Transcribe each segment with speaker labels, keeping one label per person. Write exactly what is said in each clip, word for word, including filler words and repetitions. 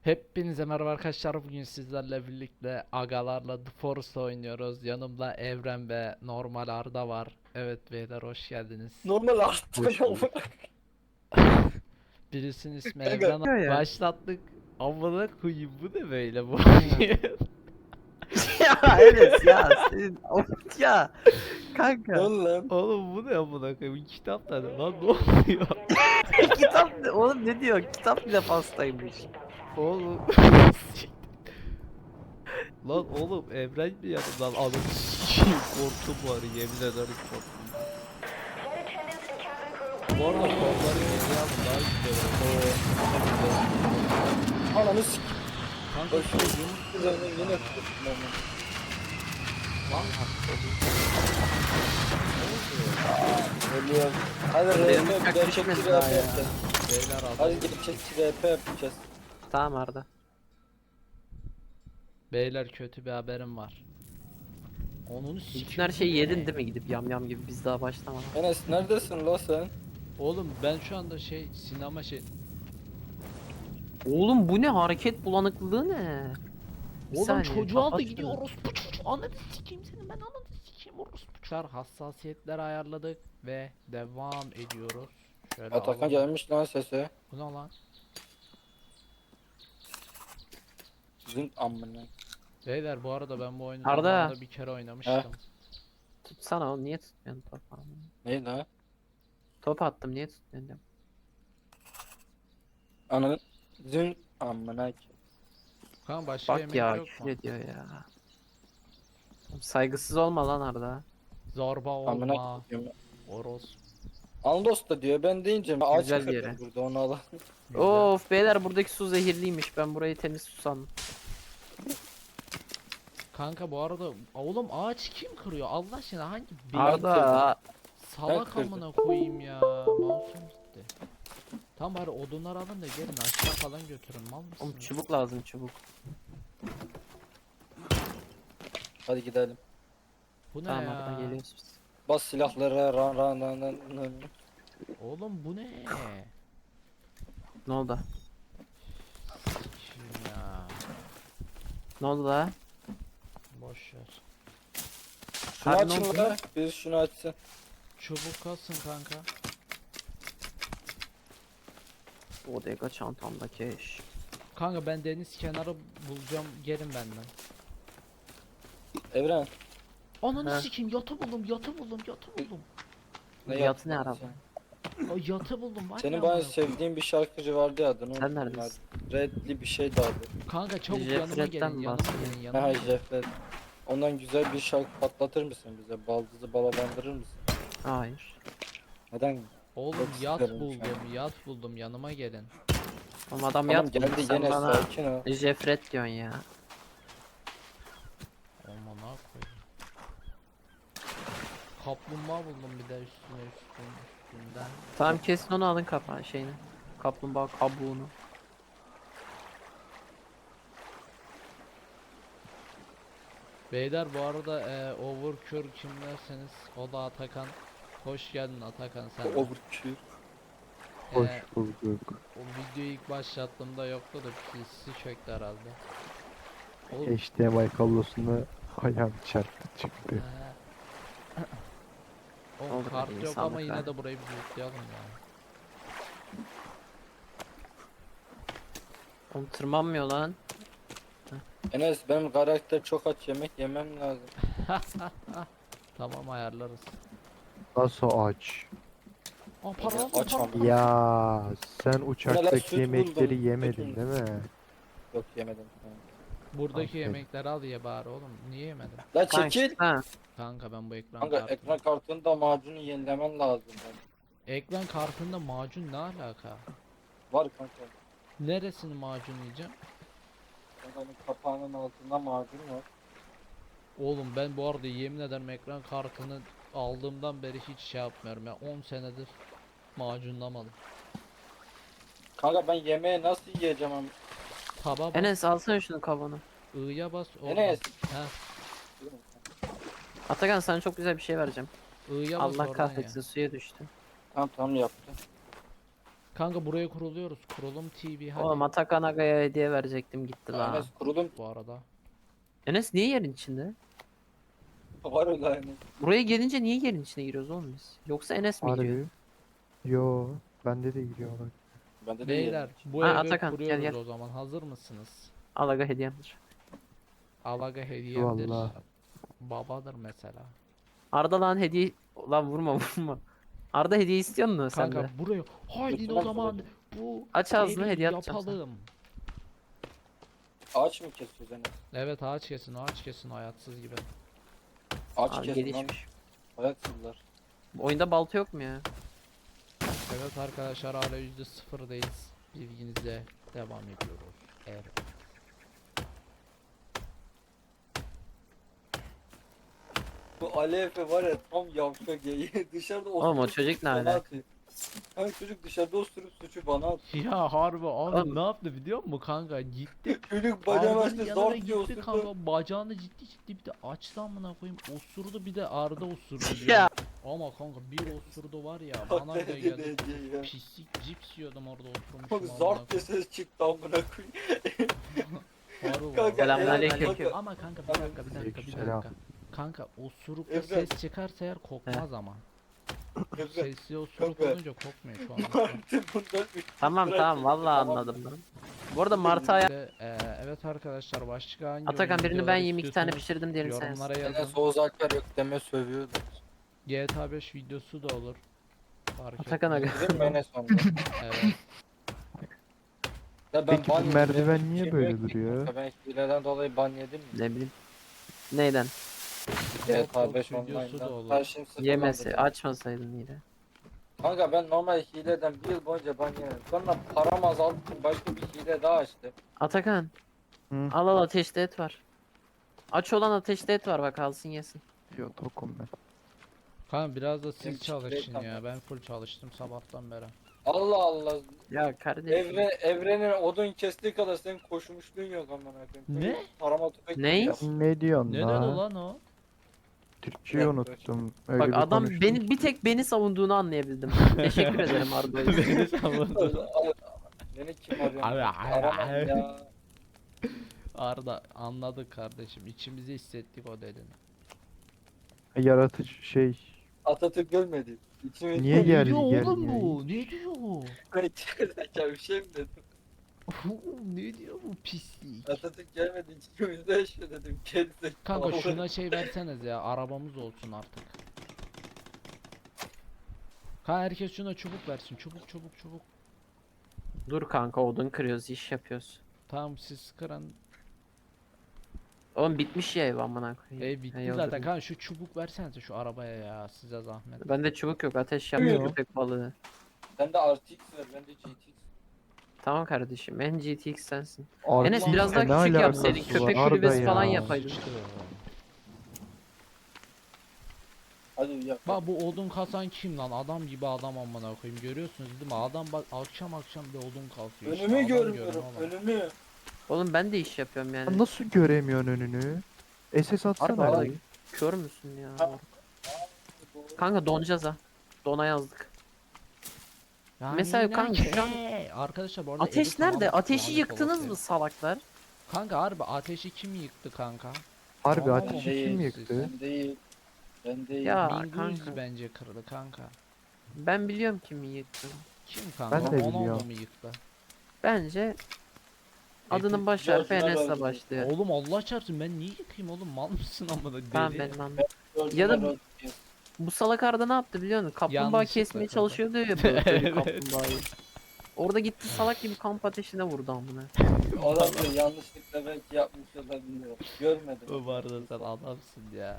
Speaker 1: Hepinize merhaba arkadaşlar. Bugün sizlerle birlikte agalarla The Forest oynuyoruz. Yanımda Evren ve normal Arda var. Evet beyler, hoş geldiniz.
Speaker 2: Normal artık
Speaker 3: Hoş
Speaker 2: ne
Speaker 3: bulduk.
Speaker 1: Birisinin ismi
Speaker 2: Kanka.
Speaker 1: Evren.
Speaker 3: Ya.
Speaker 1: Başlattık. Amına koyayım, bu ne böyle bu?
Speaker 3: Ya Enes ya senin of ya
Speaker 2: Ne
Speaker 3: kanka
Speaker 2: oldu lan?
Speaker 1: Oğlum bu ne amına koyayım? Kitap da ne lan, ne oluyor?
Speaker 3: kitap ne- oğlum ne diyor kitap bile pastaymış.
Speaker 1: Oğlum. Lan oğlum, Evren mi yanımdan? Anam sikiyim, korktum var, yemin ederim korktum. Bu arada kolları hediye alın, daha güzel olur.
Speaker 2: Ananı s***.
Speaker 1: Kanka
Speaker 2: Bak şu yeni üzerine yine tuttum onu.
Speaker 1: lan
Speaker 2: Ölüyor. Hadi
Speaker 3: Benim
Speaker 2: R P
Speaker 3: uçak
Speaker 2: gerçekçi
Speaker 3: düşmedi
Speaker 2: R P
Speaker 3: daha ya.
Speaker 2: yapacağız.
Speaker 1: beyler
Speaker 2: Hadi
Speaker 1: alın.
Speaker 2: gerçekçi R P yapacağız.
Speaker 3: Tamam Arda.
Speaker 1: Beyler, kötü bir haberim var. Onun
Speaker 3: Bütün her şeyi yedin değil mi gidip yam yam gibi biz daha başlamadık.
Speaker 2: Enes neredesin la sen?
Speaker 1: Oğlum ben şu anda şey sinema şey.
Speaker 3: Oğlum bu ne hareket bulanıklığı ne? Bir
Speaker 1: Oğlum
Speaker 3: saniye,
Speaker 1: çocuğu aldı
Speaker 3: kapat
Speaker 1: gidiyor,
Speaker 3: şunu.
Speaker 1: orospu çocuğu. Ananı sikeyim seni, ben ananı sikeyim orospu çocuğu. Hassasiyetleri ayarladık ve devam ediyoruz. Şöyle
Speaker 2: Atakan
Speaker 1: alalım.
Speaker 2: gelmiş lan sese.
Speaker 1: Bu ne lan?
Speaker 2: Zınk amına.
Speaker 1: Beyler bu arada ben bu oyunu
Speaker 3: Arda.
Speaker 1: zamanında bir kere oynamıştım.
Speaker 3: Tutsana oğlum niye tutmuyorsun top?
Speaker 2: Ne la?
Speaker 3: Top attım niye tutmuyorsun diyorum.
Speaker 2: Ananı zınk amına.
Speaker 1: Kanka başka
Speaker 3: Bak
Speaker 1: yemek
Speaker 3: ya
Speaker 1: yok
Speaker 3: küfür
Speaker 1: mu?
Speaker 3: ediyor ya. Oğlum saygısız olma lan Arda.
Speaker 1: Zorba olma.
Speaker 2: Amına koyayım.
Speaker 1: Oros.
Speaker 2: Andos da diyor, ben deyince ağaç
Speaker 3: Güzel bir
Speaker 2: kırdım
Speaker 3: yere.
Speaker 2: burada, onu alalım.
Speaker 1: Güzel.
Speaker 3: Of beyler buradaki su zehirliymiş ben burayı temiz su sandım.
Speaker 1: Kanka bu arada oğlum, ağaç kim kırıyor Allah aşkına, hangi bir
Speaker 3: Arda
Speaker 1: salak
Speaker 2: Ben kırdım.
Speaker 1: amına koyayım ya, mouse'um gitti. Tam bari odunlar alın da gelin aşağı falan götürün, mal
Speaker 3: oğlum
Speaker 1: mısın?
Speaker 3: çubuk lazım çubuk.
Speaker 2: Hadi gidelim.
Speaker 1: Bu ne
Speaker 3: Tamam
Speaker 1: ya?
Speaker 3: Arda geliyoruz biz.
Speaker 2: Bas silahlara ran ran ran ran ran.
Speaker 1: Oğlum bu ne?
Speaker 3: Ne oldu?
Speaker 1: Kim ya?
Speaker 3: Ne oldu la?
Speaker 1: Boş ver.
Speaker 2: Şunu
Speaker 3: Abi ne
Speaker 2: açın
Speaker 3: oldu?
Speaker 2: la. Bir şunu açsın.
Speaker 1: Çubuk kalsın kanka.
Speaker 3: Bodega çantamda keş.
Speaker 1: Kanka ben deniz kenarı bulacağım, gelin benden.
Speaker 2: Evren.
Speaker 1: Ananı
Speaker 3: He.
Speaker 1: sikeyim, yatı buldum, yatı buldum, yatı buldum.
Speaker 3: Yatı
Speaker 2: yaptın
Speaker 3: ne
Speaker 2: lan
Speaker 3: araba?
Speaker 2: sen?
Speaker 1: Ay, yatı buldum var
Speaker 2: Senin
Speaker 1: ya
Speaker 2: bayağı
Speaker 1: amına koyayım.
Speaker 2: sevdiğin bir şarkıcı vardı ya, adını
Speaker 3: Sen
Speaker 2: unuttum
Speaker 3: neredesin?
Speaker 2: ben. Redli bir şey de adı.
Speaker 1: Kanka çabuk
Speaker 3: Jeff
Speaker 1: yanıma
Speaker 3: Red'den
Speaker 1: gelin,
Speaker 3: mi
Speaker 1: yanıma
Speaker 3: bahsediyorsun?
Speaker 1: gelin, yanıma
Speaker 2: Ha
Speaker 1: gelin.
Speaker 2: Jeff'le. Ondan güzel bir şarkı patlatır mısın bize? Baldızı balalandırır mısın?
Speaker 3: Hayır.
Speaker 2: Neden?
Speaker 1: Oğlum
Speaker 2: Çok
Speaker 1: yat
Speaker 2: isterim şu
Speaker 1: buldum, yat buldum, yanıma gelin.
Speaker 3: Oğlum adam
Speaker 2: Tamam
Speaker 3: yat
Speaker 2: geldi
Speaker 3: buldu, sen
Speaker 2: yine,
Speaker 3: bana
Speaker 2: sakin ol.
Speaker 3: Jeffret diyorsun ya.
Speaker 1: Aman ha koyayım. Kaplumbağa buldum bir de üstüne üstün üstünden.
Speaker 3: Tamam kesin onu alın kafa şeyini. Kaplumbağa kabuğunu.
Speaker 1: Beyler bu arada e, Overcure kim derseniz o da Atakan. Hoş geldin Atakan, sen de.
Speaker 2: Overkill.
Speaker 3: Hoş
Speaker 1: E,
Speaker 3: bulduk.
Speaker 1: O videoyu ilk başlattığımda yoktu da P C çöktü herhalde. Oğlum,
Speaker 4: H D M I kablosunda ayağım çarptı çıktı.
Speaker 1: e, Oğlum
Speaker 3: Olur,
Speaker 1: kart
Speaker 3: iyi,
Speaker 1: yok ama
Speaker 3: sağlık
Speaker 1: yine
Speaker 3: ver.
Speaker 1: de burayı bir lootlayalım ya.
Speaker 3: Oğlum tırmanmıyor lan.
Speaker 2: Enes, benim karakter çok aç, yemek yemem lazım.
Speaker 1: Tamam, ayarlarız.
Speaker 4: Nasıl aç?
Speaker 1: Aa, para aldım,
Speaker 2: Aç
Speaker 1: para
Speaker 2: ama.
Speaker 1: aldım.
Speaker 4: Ya sen
Speaker 2: Bunlar
Speaker 4: uçaktaki
Speaker 2: süt
Speaker 4: yemekleri
Speaker 2: buldum,
Speaker 4: yemedin
Speaker 2: süt
Speaker 4: değil mi?
Speaker 2: Yok yemedim. Tamam.
Speaker 1: Buradaki
Speaker 4: Aferin.
Speaker 1: yemekleri al ye bari oğlum. Niye yemedin?
Speaker 2: La
Speaker 3: Kanka,
Speaker 2: çekil.
Speaker 3: ha.
Speaker 1: Kanka ben bu ekran
Speaker 2: Kanka
Speaker 1: kartı.
Speaker 2: ekran kartında macunu yenilemen lazım. Ben.
Speaker 1: Ekran kartında macun ne alaka?
Speaker 2: Var kanka.
Speaker 1: Neresini macun yiyeceğim?
Speaker 2: Kankanın kapağının altında macun var.
Speaker 1: Oğlum ben bu arada yemin ederim ekran kartını aldığımdan beri hiç şey yapmıyorum ya. on senedir macunlamadım.
Speaker 2: Kanka ben yemeği nasıl yiyeceğim ama?
Speaker 1: Taba bas,
Speaker 3: Enes alsana şunu kabuğunu.
Speaker 1: I'ya bas oradan.
Speaker 2: Enes.
Speaker 1: Heh,
Speaker 3: Atakan sana çok güzel bir şey vereceğim.
Speaker 1: I'ya bas
Speaker 3: Allah
Speaker 1: oradan
Speaker 3: kahretsin
Speaker 1: ya.
Speaker 3: suya düştü.
Speaker 2: Tamam tamam yaptım.
Speaker 1: Kanka buraya kuruluyoruz. Kurulum T V hadi.
Speaker 3: Oğlum Atakan Aga'ya hediye verecektim gitti la.
Speaker 2: Enes kurulum
Speaker 1: Bu arada.
Speaker 3: Enes niye yerin içinde?
Speaker 2: var öyle yani.
Speaker 3: Buraya gelince niye yerin içine giriyoruz oğlum biz? Yoksa Enes mi giriyor?
Speaker 4: Harbi. Yo. Bende de giriyorlar.
Speaker 2: Bende de
Speaker 1: Beyler bu
Speaker 3: Ha,
Speaker 1: evi
Speaker 3: Atakan, gel,
Speaker 1: kuruyoruz
Speaker 3: gel.
Speaker 1: o zaman. Hazır mısınız?
Speaker 3: Al Aga hediyemdir.
Speaker 1: Alaga hediyemdir.
Speaker 4: Vallahi.
Speaker 1: Babadır mesela.
Speaker 3: Arda lan hediye... Lan vurma vurma. Arda hediye istiyor musun sen
Speaker 1: Kanka
Speaker 3: de?
Speaker 1: buraya haydi o
Speaker 2: Lütfen
Speaker 1: zaman
Speaker 2: soracağım.
Speaker 1: bu
Speaker 3: Aç ağzını,
Speaker 1: evi
Speaker 3: hediye atacağım sana.
Speaker 1: yapalım.
Speaker 2: ağaç mı kesiyoruz Enes?
Speaker 1: Evet ağaç kesin ağaç kesin hayatsız gibi.
Speaker 2: Ağaç
Speaker 3: Aa,
Speaker 2: kesin lan.
Speaker 3: gelişmiş.
Speaker 2: Hayatsızlar.
Speaker 3: Bu oyunda balta yok mu ya?
Speaker 1: Evet arkadaşlar hala yüzde sıfırdayız. Bilginize devam ediyoruz. Evet.
Speaker 2: Bu Ali Efe var ya tam yavşak ya. Dışarıda osurup
Speaker 3: Oğlum o çocuk ne
Speaker 2: bana
Speaker 3: alaka?
Speaker 2: atıyor. Hani çocuk dışarıda osurup suçu bana atıyor.
Speaker 1: Ya harbi abi
Speaker 3: Oğlum.
Speaker 1: ne yaptı biliyor musun kanka? Gitti.
Speaker 2: Çocuk bacağını
Speaker 1: Arda'nın
Speaker 2: açtı
Speaker 1: yanına
Speaker 2: zor diye
Speaker 1: gitti
Speaker 2: osurdu.
Speaker 1: kanka bacağını ciddi ciddi bir de açtı amına koyayım osurdu bir de Arda osurdu
Speaker 3: Ya.
Speaker 1: diyor. Ama kanka bir osurdu var ya bana
Speaker 2: Bak
Speaker 1: bile
Speaker 2: ne
Speaker 1: geldi.
Speaker 2: dedi ya.
Speaker 1: Pislik cips yiyordum orada
Speaker 2: Bak
Speaker 1: oturmuşum amına
Speaker 2: zart diye ses çıktı amına koyayım.
Speaker 1: koyayım.
Speaker 2: Kanka,
Speaker 3: Selamünaleyküm.
Speaker 2: Eren,
Speaker 1: Ama kanka bir dakika bir dakika bir
Speaker 4: Aleykümselam.
Speaker 1: dakika. Kanka osurukla
Speaker 2: Evren.
Speaker 1: ses çıkarsa eğer kokmaz ama.
Speaker 2: Efe,
Speaker 1: Sesli osuruk
Speaker 2: Kanka.
Speaker 1: olunca kokmuyor şu an.
Speaker 2: Martı bundan üç
Speaker 3: Tamam
Speaker 2: lira
Speaker 3: tamam
Speaker 2: çekti,
Speaker 3: vallahi
Speaker 2: tamam.
Speaker 3: anladım lan. Bu arada Martı aya...
Speaker 1: Ve, e, evet arkadaşlar başka hangi
Speaker 3: Atakan
Speaker 1: oyun
Speaker 3: birini ben
Speaker 1: videoları
Speaker 3: yiyeyim iki tane
Speaker 1: istiyorsanız
Speaker 3: pişirdim diğerini sen.
Speaker 1: yorumlara yazın.
Speaker 2: Enes Oğuz Alper yok deme sövüyordu.
Speaker 1: G T A beş videosu da olur. Fark
Speaker 3: Atakan
Speaker 1: etmez.
Speaker 3: Aga.
Speaker 2: Dedim mi Enes onda?
Speaker 1: Evet.
Speaker 2: Ya ben
Speaker 4: Peki
Speaker 2: ban
Speaker 4: bu
Speaker 2: yedim,
Speaker 4: merdiven
Speaker 2: benim
Speaker 4: niye
Speaker 2: hiçbir
Speaker 4: böyle
Speaker 2: şeyim yok ki
Speaker 4: duruyor?
Speaker 2: kanka. Ben hileden dolayı ban yedim mi?
Speaker 3: Ne bileyim. Neyden?
Speaker 2: G T A
Speaker 1: Xbox
Speaker 2: beş
Speaker 1: videosu da
Speaker 2: online'dan.
Speaker 1: olur.
Speaker 2: Karşım sıfırlandı.
Speaker 3: Yemesi açmasaydın yine.
Speaker 2: Kanka ben normal hileden bir yıl boyunca ban yemedim. Sonra param azaldı için başka bir hile daha açtım.
Speaker 3: Atakan.
Speaker 4: Hı.
Speaker 3: Al al ateşte et var. Aç olan ateşte et var bak alsın yesin.
Speaker 4: Yo tokum ben.
Speaker 1: Kanka biraz da
Speaker 2: Benim
Speaker 1: siz çalışın
Speaker 2: straight
Speaker 1: ya.
Speaker 2: ama.
Speaker 1: Ben full çalıştım sabahtan beri.
Speaker 2: Allah Allah.
Speaker 3: Ya kardeşim.
Speaker 2: Evre, evrenin odun kestiği kadar senin koşmuşluğun yok amına koyayım.
Speaker 1: Ne?
Speaker 2: Çocuk Parama tüfek
Speaker 3: Ne?
Speaker 2: ya.
Speaker 4: Ne diyorsun
Speaker 1: Neden
Speaker 4: la?
Speaker 1: ulan o?
Speaker 4: Türkçeyi
Speaker 2: Yok,
Speaker 4: unuttum. Öyle
Speaker 3: Bak
Speaker 4: bir
Speaker 3: adam
Speaker 4: konuştum
Speaker 3: beni
Speaker 4: ki.
Speaker 3: bir tek beni savunduğunu anlayabildim. Teşekkür ederim Arda.
Speaker 1: Beni savundu.
Speaker 2: Beni kim arıyor?
Speaker 1: Abi,
Speaker 2: Aramam
Speaker 1: abi.
Speaker 2: ya.
Speaker 1: Arda anladık kardeşim. İçimizi hissettik o dedin.
Speaker 4: Yaratıcı şey.
Speaker 2: Atatürk ölmedi. İçime
Speaker 4: Niye gel-
Speaker 1: Ne diyor
Speaker 4: gelmiyor
Speaker 1: oğlum bu? Ne diyor?
Speaker 2: Zeka bir şey mi dedim?
Speaker 1: Oğlum ne diyor bu pislik?
Speaker 2: Atatürk gelmedi içimizde yaşıyor dedim. Kendisi.
Speaker 1: Kanka şuna şey verseniz ya arabamız olsun artık. Kanka herkes şuna çubuk versin. Çubuk çubuk çubuk.
Speaker 3: Dur kanka odun kırıyoruz iş yapıyoruz.
Speaker 1: Tamam siz kırın.
Speaker 3: Oğlum bitmiş ya ev amına koyayım.
Speaker 1: E bitti
Speaker 3: Hey,
Speaker 1: zaten
Speaker 3: öldürdüm.
Speaker 1: kanka şu çubuk versenize şu arabaya ya size zahmet.
Speaker 3: Bende çubuk yok ateş yapıyor
Speaker 2: Yok.
Speaker 3: köpek balığı.
Speaker 2: Bende R T X var, bende G T X.
Speaker 3: Tamam kardeşim en G T X sensin.
Speaker 4: Artık
Speaker 3: Enes biraz daha
Speaker 4: ne
Speaker 3: küçük
Speaker 4: alakası
Speaker 3: yapsaydın,
Speaker 4: var
Speaker 3: köpek
Speaker 4: Arda
Speaker 3: kulübesi
Speaker 4: ya?
Speaker 3: falan yapaydın.
Speaker 1: İşte.
Speaker 2: Hadi yap.
Speaker 1: Bak bu odun kasan kim lan? Adam gibi adam amına koyayım. Görüyorsunuz değil mi? Adam bak akşam akşam bir odun kasıyor. işte.
Speaker 2: Önümü
Speaker 1: Adam
Speaker 2: görmüyorum,
Speaker 1: görün oğlum.
Speaker 2: önümü.
Speaker 3: Oğlum ben de iş yapıyorum yani.
Speaker 4: Nasıl göremiyorsun önünü? S S atsana
Speaker 3: Arda,
Speaker 4: abi.
Speaker 3: Kör müsün ya?
Speaker 2: Ha.
Speaker 3: Kanka donacağız ha. Dona yazdık.
Speaker 1: Yani
Speaker 3: Mesela
Speaker 1: yine
Speaker 3: kanka şu an-
Speaker 1: ke- Arkadaşlar bu arada evi
Speaker 3: Ateş nerede?
Speaker 1: tamamen
Speaker 3: Ateşi
Speaker 1: lanet
Speaker 3: yıktınız
Speaker 1: olası.
Speaker 3: mı salaklar?
Speaker 1: Kanka harbi ateşi kim yıktı kanka?
Speaker 4: Harbi
Speaker 1: Tamam,
Speaker 4: ateşi
Speaker 1: değil,
Speaker 4: kim
Speaker 1: siz-
Speaker 4: yıktı?
Speaker 2: Ben değil. Ben değil.
Speaker 3: Ya
Speaker 1: Bingöz
Speaker 3: kanka.
Speaker 1: bence kırdı kanka.
Speaker 3: Ben biliyorum kimi yıktı.
Speaker 1: Kim kanka?
Speaker 4: Ben de
Speaker 1: Ronaldo
Speaker 4: biliyorum.
Speaker 1: mu yıktı?
Speaker 3: Bence adının baş
Speaker 2: George
Speaker 3: harfi
Speaker 2: Weah
Speaker 3: Enes'le
Speaker 2: öldü.
Speaker 3: başlıyor.
Speaker 1: Oğlum Allah çarpsın ben niye yıkayım oğlum mal mısın amına
Speaker 3: Tamam
Speaker 1: deli.
Speaker 3: benim anladım.
Speaker 2: Gördüm
Speaker 3: Ya da-
Speaker 2: ben o-
Speaker 3: Bu salak Arda ne yaptı biliyor musun? Kaplumbağa
Speaker 1: Yanlışlıkla
Speaker 3: kesmeye
Speaker 1: kırdı.
Speaker 3: çalışıyordu ya böyle
Speaker 1: Evet.
Speaker 3: kaplumbağayı. Orada gitti salak gibi kamp ateşine vurdu amına.
Speaker 2: Adam da yanlışlıkla belki yapmış olabilir. Görmedim.
Speaker 1: Bu arada sen adamsın ya.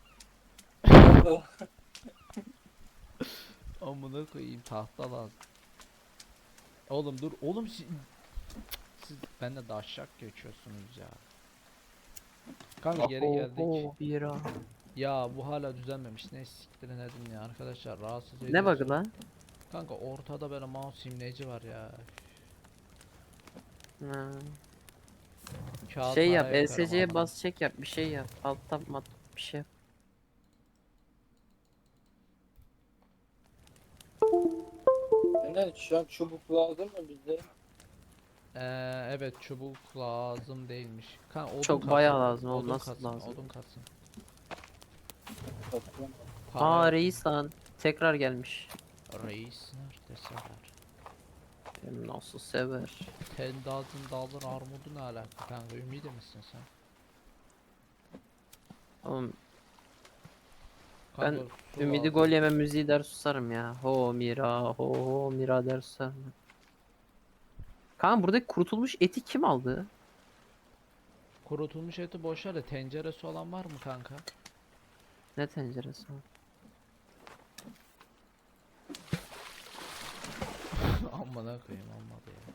Speaker 1: Amına koyayım tahta lazım. Oğlum dur oğlum siz, siz bende de aşağı geçiyorsunuz ya. Kanka geri geldik.
Speaker 3: Oho, bira.
Speaker 1: Ya bu hala düzenmemiş. Ne siktirin edin ya arkadaşlar rahatsız
Speaker 3: Ne
Speaker 1: ediyorsun.
Speaker 3: bug'ı lan?
Speaker 1: Kanka ortada böyle mouse imleci var ya.
Speaker 3: Ha.
Speaker 1: Kağıt
Speaker 3: Şey yap,
Speaker 1: para yaparım
Speaker 3: E S C'ye
Speaker 1: amına.
Speaker 3: bas çek yap, bir şey yap. Alt tab mat bir şey yap.
Speaker 2: Aynen şu an çubuk lazım mı bize?
Speaker 1: Ee, evet çubuk lazım değilmiş. Kan odun
Speaker 3: Çok
Speaker 1: kasın.
Speaker 3: bayağı lazım oğlum,
Speaker 1: Odun
Speaker 3: nasıl
Speaker 1: kasın,
Speaker 3: lazım?
Speaker 1: odun kasın.
Speaker 2: Satıyorum.
Speaker 1: Para
Speaker 3: Aa
Speaker 1: yok.
Speaker 3: reis lan. Tekrar gelmiş.
Speaker 1: Reis nerede sever?
Speaker 3: Hem nasıl sever.
Speaker 1: Tendazın dalın armudu ne alaka? Kanka ümidi misin sen?
Speaker 3: Oğlum
Speaker 1: Kanka, su
Speaker 3: ümidi
Speaker 1: lazım.
Speaker 3: gol yeme müziği der susarım ya. Ho mira ho ho mira der susarım. Kaan buradaki kurutulmuş eti kim aldı?
Speaker 1: Kurutulmuş eti boşver de tenceresi olan var mı kanka?
Speaker 3: Ne tenceresi o?
Speaker 1: Amına koyayım olmadı ya.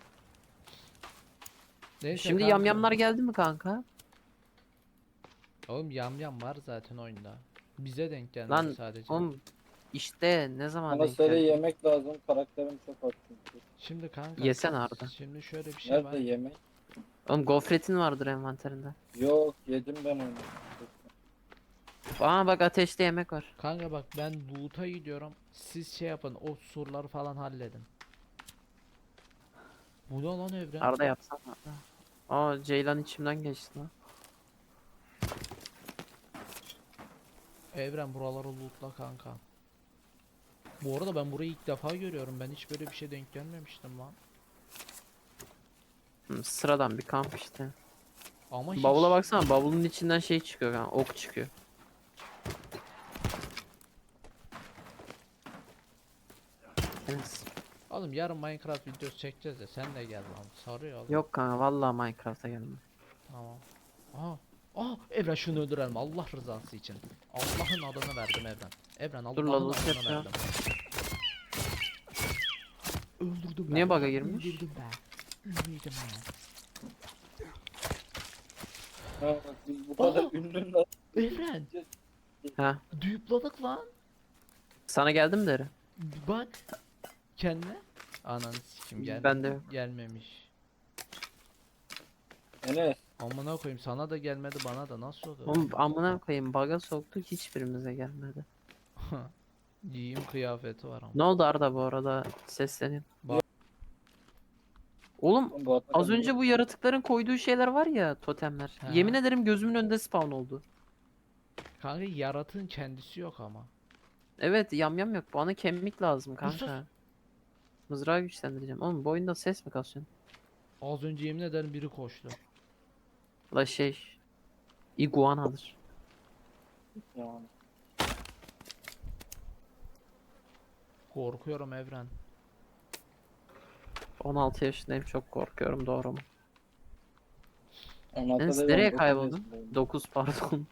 Speaker 1: Neyse
Speaker 3: Şimdi
Speaker 1: kanka.
Speaker 3: yamyamlar geldi mi kanka?
Speaker 1: Oğlum yamyam var zaten oyunda. Bize denk gelmedi
Speaker 3: Lan
Speaker 1: sadece.
Speaker 3: oğlum işte ne zaman
Speaker 2: Bana
Speaker 3: denk
Speaker 2: seri
Speaker 3: geldi?
Speaker 2: yemek lazım. Karakterim çok az çünkü.
Speaker 1: Şimdi kanka.
Speaker 3: Yesene Arda.
Speaker 1: Şimdi şöyle bir şey var.
Speaker 2: Nerede yemek?
Speaker 3: Oğlum gofretin vardır envanterinde.
Speaker 2: Yok yedim ben onu.
Speaker 3: Aa bak ateşte yemek var.
Speaker 1: Kanka bak ben loot'a gidiyorum. Siz şey yapın. O surları falan halledin. Bu ne lan Evren?
Speaker 3: Arda yapsana. Aa Ceylan içimden geçti lan.
Speaker 1: Evren buraları lootla kanka. Bu arada ben burayı ilk defa görüyorum. Ben hiç böyle bir şey denk gelmemiştim lan.
Speaker 3: Hı, sıradan bir kamp işte.
Speaker 1: Ama hiç...
Speaker 3: Bavula baksana, bavulun içinden şey çıkıyor kanka, ok çıkıyor. Evet.
Speaker 1: Oğlum yarın Minecraft videosu çekeceğiz de sen de gel lan. Sarıyor oğlum.
Speaker 3: Yok kanka vallahi Minecraft'a geldim.
Speaker 1: Tamam. Aha. Aa Evren şunu öldürelim Allah rızası için. Allah'ın adını verdim Evren. Evren
Speaker 3: Dur
Speaker 1: Allah'ın
Speaker 3: lan, nasıl
Speaker 1: adını
Speaker 3: yapacağım?
Speaker 1: verdim. Öldürdüm
Speaker 3: Niye
Speaker 1: ben.
Speaker 3: bug'a girmiş?
Speaker 1: Öldürdüm ben. Ünlüydüm ben.
Speaker 2: Ha, bak biz bu kadar
Speaker 1: Aa!
Speaker 2: ünlü lan.
Speaker 1: Evren.
Speaker 3: Ha,
Speaker 1: Düğüpladık lan.
Speaker 3: sana geldim deri.
Speaker 1: Bak. Kendine. Ananı sikim gel.
Speaker 3: Ben de yok.
Speaker 1: Gelmemiş.
Speaker 2: Enes.
Speaker 1: Amına koyayım sana da gelmedi bana da nasıl oluyor?
Speaker 3: Oğlum amına koyayım, bug'a soktuk, hiçbirimize gelmedi.
Speaker 1: Giyim kıyafeti var ama.
Speaker 3: Ne oldu Arda bu arada, seslenin.
Speaker 1: Bak.
Speaker 3: Oğlum
Speaker 2: Bu
Speaker 3: az önce bu yaratıkların koyduğu şeyler var ya, totemler.
Speaker 1: Ha.
Speaker 3: Yemin ederim gözümün önünde spawn oldu.
Speaker 1: Kanka yaratığın kendisi yok ama.
Speaker 3: Evet, yamyam yok. Bana kemik lazım
Speaker 1: Sus.
Speaker 3: kanka. Mızrağı güçlendireceğim. Oğlum bu oyunda ses mi kasıyorsun?
Speaker 1: Az önce yemin ederim biri koştu.
Speaker 3: La şey, iguanadır.
Speaker 2: Yani.
Speaker 1: Korkuyorum Evren.
Speaker 3: on altı yaşındayım, çok korkuyorum, doğru mu?
Speaker 2: on altıda
Speaker 3: Enes
Speaker 2: ben
Speaker 3: nereye
Speaker 2: dokuz
Speaker 3: kayboldun?
Speaker 2: yaşındayım.
Speaker 3: dokuz pardon.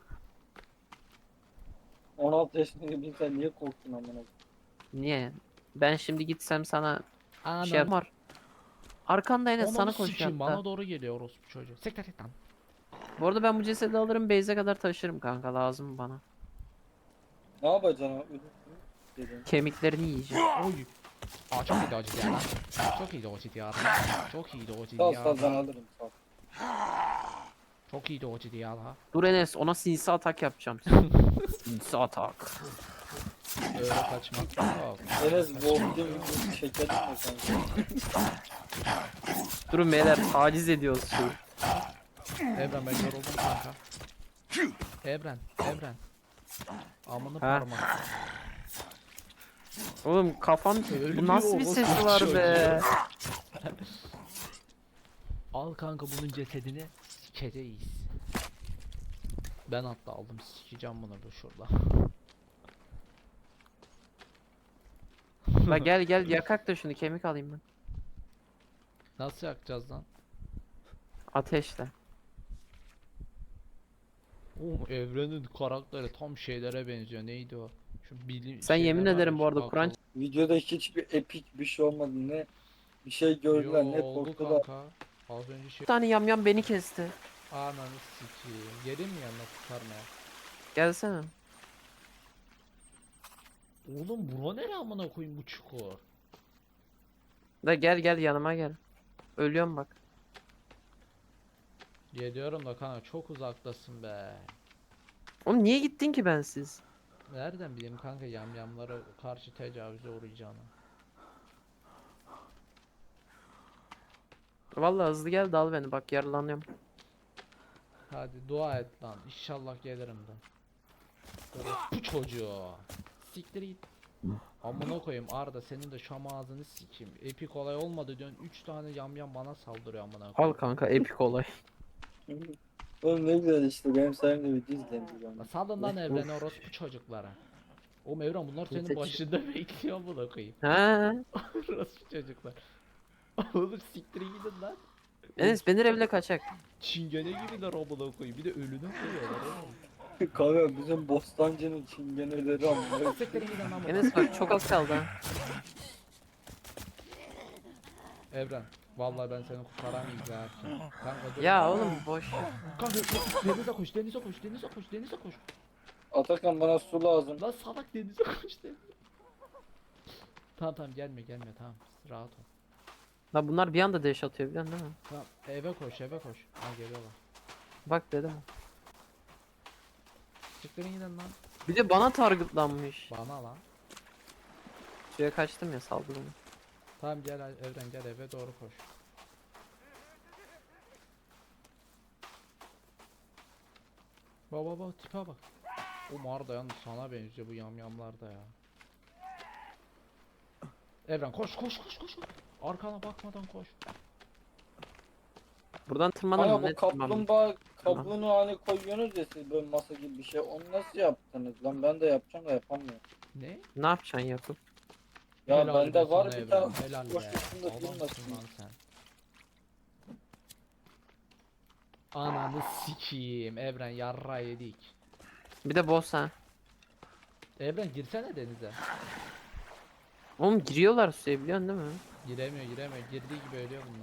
Speaker 2: on altı yaşındaki bir insan niye korktun amına?
Speaker 3: Niye? Ben şimdi gitsem sana
Speaker 1: Anam.
Speaker 3: şey yapar. Arkanda Enes,
Speaker 1: Ananı
Speaker 3: sana koşuyor
Speaker 1: sikeyim,
Speaker 3: hatta.
Speaker 1: bana doğru geliyor orospu çocuğu. Siktir et lan.
Speaker 3: Bu arada ben bu cesedi alırım, base'e kadar taşırım kanka, lazım bana.
Speaker 2: Ne yapacaksın abi? Dedim.
Speaker 3: Kemiklerini yiyeceğim.
Speaker 1: Oy. Aa çok iyiydi o ciddi ya lan. Çok iyiydi o ciddi ya lan. Çok iyiydi o ciddi
Speaker 2: Sal
Speaker 1: ya
Speaker 2: sal ben
Speaker 1: lan.
Speaker 2: alırım sal.
Speaker 1: Çok iyiydi o ciddi ya lan.
Speaker 3: Dur Enes, ona sinsi atak yapacağım. Sinsi atak.
Speaker 1: Öyle kaçmak yok.
Speaker 2: Enes Wolf'un bir şeker içme kanka.
Speaker 3: Durun beyler, taciz ediyoruz şeyi.
Speaker 1: Evren ben yoruldum kanka. Evren, Evren. Amını
Speaker 3: Ha.
Speaker 1: parmak.
Speaker 3: Oğlum kafam,
Speaker 1: Ölüyor
Speaker 3: bu nasıl bir
Speaker 1: orospu
Speaker 3: ses var be?
Speaker 1: Al kanka bunun cesedini sikeceğiz. Ben hatta aldım sikeceğim bunu bu şurada.
Speaker 3: La gel gel yakak da şunu, kemik alayım ben.
Speaker 1: Nasıl yakacağız lan?
Speaker 3: Ateşle.
Speaker 1: Oğlum Evren'in karakteri tam şeylere benziyor. Neydi o? Şu bilim
Speaker 3: Sen
Speaker 1: şeyler
Speaker 3: yemin
Speaker 1: var ya,
Speaker 3: ederim bu
Speaker 1: şu
Speaker 3: arada
Speaker 1: akıl-
Speaker 3: Kur'an
Speaker 2: Videoda hiçbir epik bir şey olmadı ne. Bir şey gördüler
Speaker 1: Yo,
Speaker 2: ne
Speaker 1: oldu
Speaker 2: korktular.
Speaker 1: kanka. Az önce şey
Speaker 3: bir tane yamyam beni kesti.
Speaker 1: ananı sikeyim. Gelin mi yanına kurtarmaya?
Speaker 3: Gelsene.
Speaker 1: Oğlum bura nere amına koyayım bu çukur?
Speaker 3: Da gel gel yanıma gel. Ölüyorum bak.
Speaker 1: Geliyorum da kanka çok uzaktasın be.
Speaker 3: Oğlum niye gittin ki bensiz?
Speaker 1: Nereden bileyim kanka yamyamlara karşı tecavüze uğrayacağını.
Speaker 3: Vallahi hızlı gel dal beni bak yaralanıyorum.
Speaker 1: Hadi dua et lan. İnşallah gelirim de. Bu çocuğu. Siktir git. Amına koyayım Arda, senin de şam ağzını sikeyim. Epik olay olmadı diyorsun. üç tane yamyam bana saldırıyor amına
Speaker 3: Al
Speaker 1: koyayım.
Speaker 3: kanka epik olay.
Speaker 2: Oğlum ne güzel işte benim sayemde video izleniyor.
Speaker 1: La salın lan
Speaker 3: Of,
Speaker 1: evrene
Speaker 3: of.
Speaker 1: orospu çocuklara. Oğlum Evren, bunlar senin
Speaker 3: Nitekim-
Speaker 1: başında bekliyor amına koyayım.
Speaker 3: He.
Speaker 1: Orospu çocuklar. Oğlum siktir gidin lan.
Speaker 3: Enes beni evle kaçak.
Speaker 1: Çingene gibiler amına koyayım. Bir de ölüne koyuyorlar oğlum.
Speaker 2: Kanka bizim Bostancı'nın çingeneleri ama.
Speaker 1: Siktir gidin lan buradan.
Speaker 3: Enes bak çok az kaldı ha.
Speaker 1: Evren. Vallahi ben seni kurtaramayacağım. Kanka dur.
Speaker 3: Ya oğlum boş.
Speaker 1: Kanka denize koş, denize koş, denize koş, denize koş.
Speaker 2: Atakan bana su lazım.
Speaker 1: Lan salak, denize koş denize. Tamam tamam, gelme gelme, tamam rahat ol.
Speaker 3: La bunlar bir anda deş atıyor biliyorsun değil mi?
Speaker 1: Tamam eve koş, eve koş. Ha geliyorlar.
Speaker 3: Bak dedim.
Speaker 1: Çıkların gidin lan.
Speaker 3: Bir de bana targetlanmış.
Speaker 1: Bana lan.
Speaker 3: Suya kaçtım ya saldı beni.
Speaker 1: Tamam gel Evren, gel eve doğru koş. Baba baba tipe bak. O Marda yalnız sana benziyor bu yamyamlar da ya. Evren koş koş koş koş. Arkana bakmadan koş.
Speaker 3: Buradan tırmanalım
Speaker 2: Kanka
Speaker 3: ne
Speaker 2: bu
Speaker 3: tırmanalım?
Speaker 2: kaplumbağa kabuğunu hani koyuyorsunuz ya siz böyle masa gibi bir şey. Onu nasıl yaptınız lan? Ben de yapacağım da yapamıyorum.
Speaker 1: Ne?
Speaker 3: Ne yapacaksın Yakup?
Speaker 2: Ya
Speaker 1: Helal be
Speaker 2: bende var
Speaker 1: sana
Speaker 2: bir
Speaker 1: Evren,
Speaker 2: tane
Speaker 1: helal
Speaker 2: boş
Speaker 1: be.
Speaker 2: üstünde
Speaker 1: Adamsın
Speaker 2: durmasın.
Speaker 1: lan sen. Ananı sikiyim Evren, yarra yedik.
Speaker 3: Bir de boss ha.
Speaker 1: Evren girsene denize.
Speaker 3: Oğlum giriyorlar suya biliyorsun değil mi?
Speaker 1: Giremiyor giremiyor, girdiği gibi ölüyor bunlar.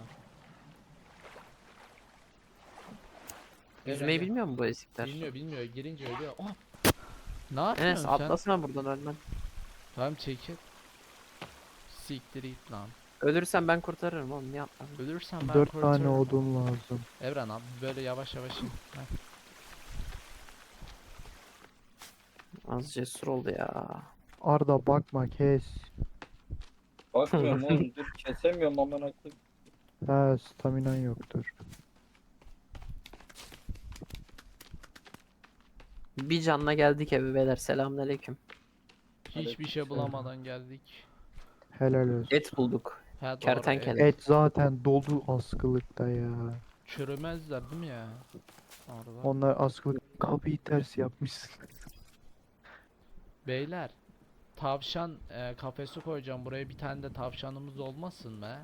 Speaker 3: Yüzmeyi
Speaker 1: Evren,
Speaker 3: bilmiyor mu bu ezikler?
Speaker 1: bilmiyor bilmiyor, girince ölüyor. Oh! Ne yapıyorsun
Speaker 3: Enes
Speaker 1: sen?
Speaker 3: atlasana buradan ölmem.
Speaker 1: Tamam çekil. Siktir it lan.
Speaker 3: Ölürsem ben kurtarırım oğlum niye atladın?
Speaker 1: Ölürsen ben
Speaker 4: Dört tane
Speaker 1: kurtarırım.
Speaker 4: odun lazım.
Speaker 1: Evren abi böyle yavaş yavaş in. Heh.
Speaker 3: Az cesur oldu ya.
Speaker 4: Arda bakma kes.
Speaker 2: Bakmıyorum oğlum dur kesemiyorum amına koyayım.
Speaker 4: Ha staminan yoktur.
Speaker 3: Bir canla geldik eve beyler selamünaleyküm.
Speaker 1: Hiçbir şey bulamadan geldik.
Speaker 4: Helal olsun.
Speaker 3: Et bulduk.
Speaker 1: Ha, doğru,
Speaker 3: Kertenkele.
Speaker 1: et.
Speaker 4: Et zaten dolu askılıkta ya.
Speaker 1: Çürümezler değil mi ya? Orada.
Speaker 4: Onlar askılık kapıyı ters yapmışsın.
Speaker 1: Beyler. Tavşan e, kafesi koyacağım buraya, bir tane de tavşanımız olmasın be.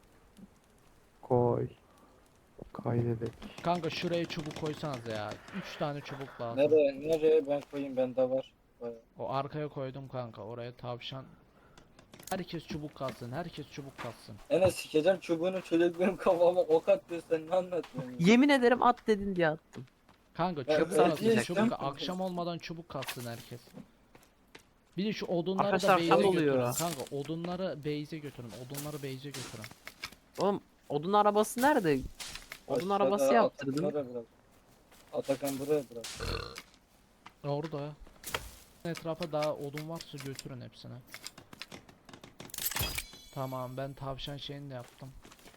Speaker 4: Koy. Kaydedelim.
Speaker 1: Kanka şuraya çubuk koysanız ya. üç tane çubuk lazım.
Speaker 2: Nereye nereye ben koyayım bende var. Bayağı.
Speaker 1: O arkaya koydum kanka, oraya tavşan. Herkes çubuk kalsın, herkes çubuk kalsın.
Speaker 2: Enes sikeceğim çubuğunu çocuk benim kafama ok atıyor sen ne anlatıyorsun? ya?
Speaker 3: Yemin ederim at dedin diye attım.
Speaker 1: Kanka
Speaker 2: Ben
Speaker 1: çubuk
Speaker 3: sana
Speaker 1: kalsın,
Speaker 3: diyecektim.
Speaker 1: çubuk akşam olmadan çubuk kalsın herkes. Bir de şu odunları
Speaker 3: Arkadaşlar,
Speaker 1: da base'e
Speaker 3: tam
Speaker 1: götürün
Speaker 3: oluyor.
Speaker 1: kanka, odunları base'e götürün, odunları base'e götürün.
Speaker 3: Oğlum odun arabası nerede? Odun
Speaker 2: Aşağıda
Speaker 3: arabası yaptırdım.
Speaker 2: Atakan buraya bırak. Atakan buraya bırak.
Speaker 1: Orada ya. Etrafa daha odun varsa götürün hepsini. Tamam, ben tavşan şeyini de yaptım.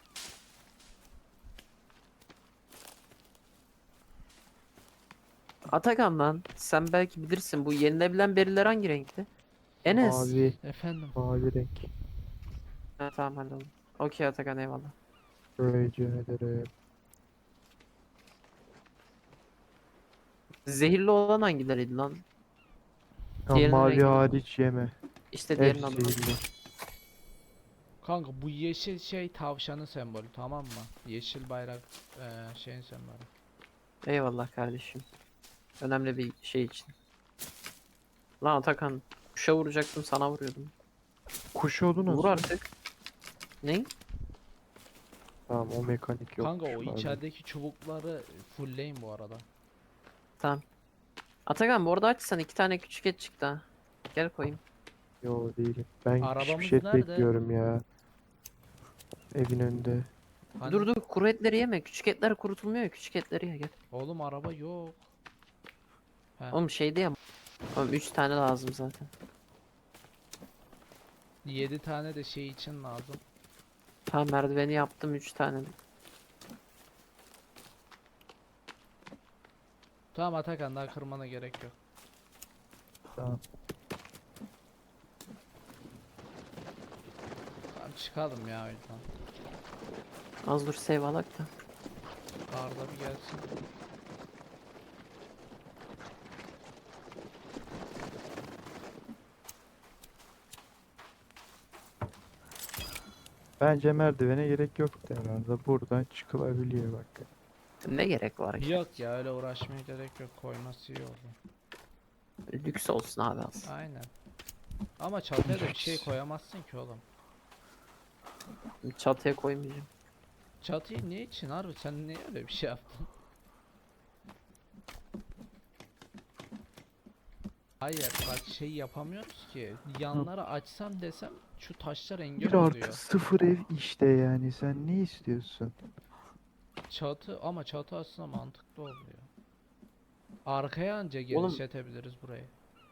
Speaker 3: Atakan lan sen belki bilirsin bu yenilebilen beriler hangi renkti? Enes.
Speaker 4: Mavi.
Speaker 1: Efendim.
Speaker 4: Mavi renk.
Speaker 3: Ha, tamam halledin. Okey Atakan eyvallah.
Speaker 4: Rica ederim.
Speaker 3: Zehirli olan hangileriydi lan?
Speaker 4: Ya
Speaker 3: Diğerinin
Speaker 4: mavi
Speaker 3: rengi.
Speaker 4: hariç yeme.
Speaker 3: İşte diğerinin
Speaker 4: Hepsi
Speaker 3: adı.
Speaker 4: zehirli.
Speaker 1: Kanka bu yeşil şey tavşanın sembolü, tamam mı? Yeşil bayrak eee şeyin sembolü.
Speaker 3: Eyvallah kardeşim. Önemli bir şey için. Lan Atakan kuşa vuracaktım sana vuruyordum.
Speaker 4: Kuş oldu nasıl?
Speaker 3: Vur artık. Ne?
Speaker 4: Tamam o mekanik yok.
Speaker 1: Kanka o içerideki çubukları fullleyin bu arada.
Speaker 3: Tamam. Atakan bu arada açsan iki tane küçük et çıktı ha. Gel koyayım.
Speaker 4: Yo değilim. Ben
Speaker 1: Arabamız
Speaker 4: pişmiş et
Speaker 1: nerede?
Speaker 4: bekliyorum ya. Evin önünde.
Speaker 1: Hani-
Speaker 3: Dur dur kuru etleri yeme. Küçük etler kurutulmuyor ya. Küçük etleri ye gel.
Speaker 1: Oğlum araba yok. He.
Speaker 3: Oğlum şeydi ya. Oğlum üç tane lazım zaten.
Speaker 1: yedi tane de şey için lazım.
Speaker 3: Tamam merdiveni yaptım üç tane.
Speaker 1: Tamam Atakan, daha kırmana gerek yok.
Speaker 4: Tamam.
Speaker 1: Tamam çıkalım ya o yüzden.
Speaker 3: Az dur save alak da.
Speaker 1: Arda bir gelsin.
Speaker 4: Bence merdivene gerek yoktu herhalde. Buradan çıkılabiliyor bak.
Speaker 3: Ne gerek var ki?
Speaker 1: Yok ya, öyle uğraşmaya gerek yok, koyması iyi oldu.
Speaker 3: Lüks olsun abi az.
Speaker 1: Aynen. Ama çatıya da bir şey koyamazsın ki oğlum.
Speaker 3: Çatıya koymayacağım.
Speaker 1: Çatıyı ne için harbi, sen niye öyle bir şey yaptın? Hayır bak, şey yapamıyoruz ki. Yanları açsam desem şu taşlar engel
Speaker 4: Bir artı
Speaker 1: oluyor.
Speaker 4: sıfır ev işte yani. Sen ne istiyorsun?
Speaker 1: Çatı, ama çatı aslında mantıklı oluyor. Arkaya anca
Speaker 3: Oğlum-
Speaker 1: genişletebiliriz burayı.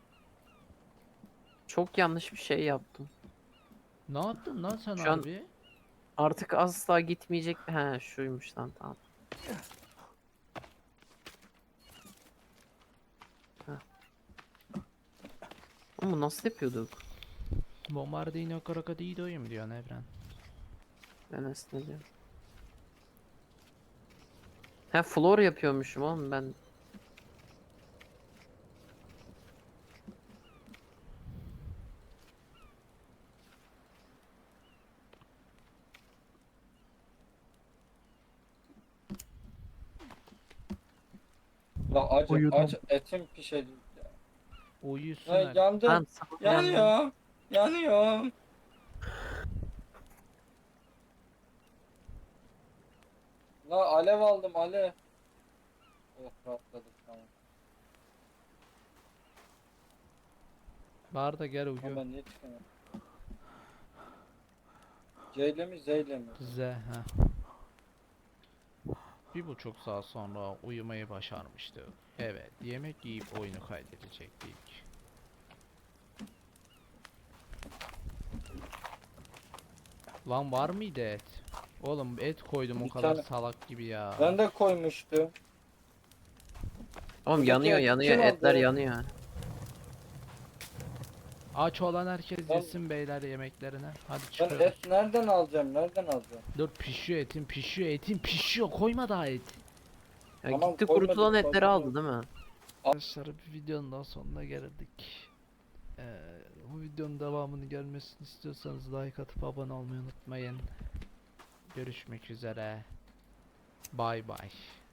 Speaker 3: Çok yanlış bir şey yaptım.
Speaker 1: Ne yaptın lan sen
Speaker 3: Şu an-
Speaker 1: harbi?
Speaker 3: Artık asla gitmeyecek. He şuymuş lan tamam. Heh. Ama nasıl yapıyorduk?
Speaker 1: Bombardino crocodilo'yum diyor Evren.
Speaker 3: Ben aslında diyorum. He floor yapıyormuşum oğlum ben.
Speaker 2: La acı
Speaker 4: Uyudum.
Speaker 2: aç etim pişecek ya.
Speaker 1: Uyusun
Speaker 2: Ya
Speaker 1: el.
Speaker 2: yandı.
Speaker 3: Tamam, sabah uyandım.
Speaker 2: Yanıyor. Yanıyor. La alev aldım alev. Oh rahatladık tamam.
Speaker 1: Bağır da gel
Speaker 2: Ama
Speaker 1: uyu.
Speaker 2: ben niye çıkamıyorum? C ile mi Z ile mi?
Speaker 1: Z ha. Bir buçuk saat sonra uyumayı başarmıştı. Evet, yemek yiyip oyunu kaydedecektik. Lan var mıydı et? Oğlum et koydum o
Speaker 2: Bir
Speaker 1: kadar
Speaker 2: tane-
Speaker 1: salak gibi ya.
Speaker 2: Ben de koymuştum.
Speaker 3: Oğlum
Speaker 2: Buradaki
Speaker 3: yanıyor
Speaker 2: et
Speaker 3: yanıyor
Speaker 2: kim
Speaker 3: etler
Speaker 2: aldı?
Speaker 3: yanıyor.
Speaker 1: Aç olan herkes
Speaker 2: Ben-
Speaker 1: yesin beyler yemeklerini. Hadi
Speaker 2: Ben
Speaker 1: çıkıyoruz.
Speaker 2: et nereden alacağım? Nereden alacağım?
Speaker 1: Dur, pişiyor etin, pişiyor etin, pişiyor. Koyma daha et.
Speaker 3: Ya
Speaker 2: Tamam,
Speaker 3: gitti
Speaker 2: koymadım,
Speaker 3: kurutulan etleri
Speaker 2: koymadım.
Speaker 3: aldı değil mi?
Speaker 1: Arkadaşlar, bir videonun daha sonuna geldik. Ee, bu videonun devamını gelmesini istiyorsanız like atıp abone olmayı unutmayın. Görüşmek üzere. Bay bay.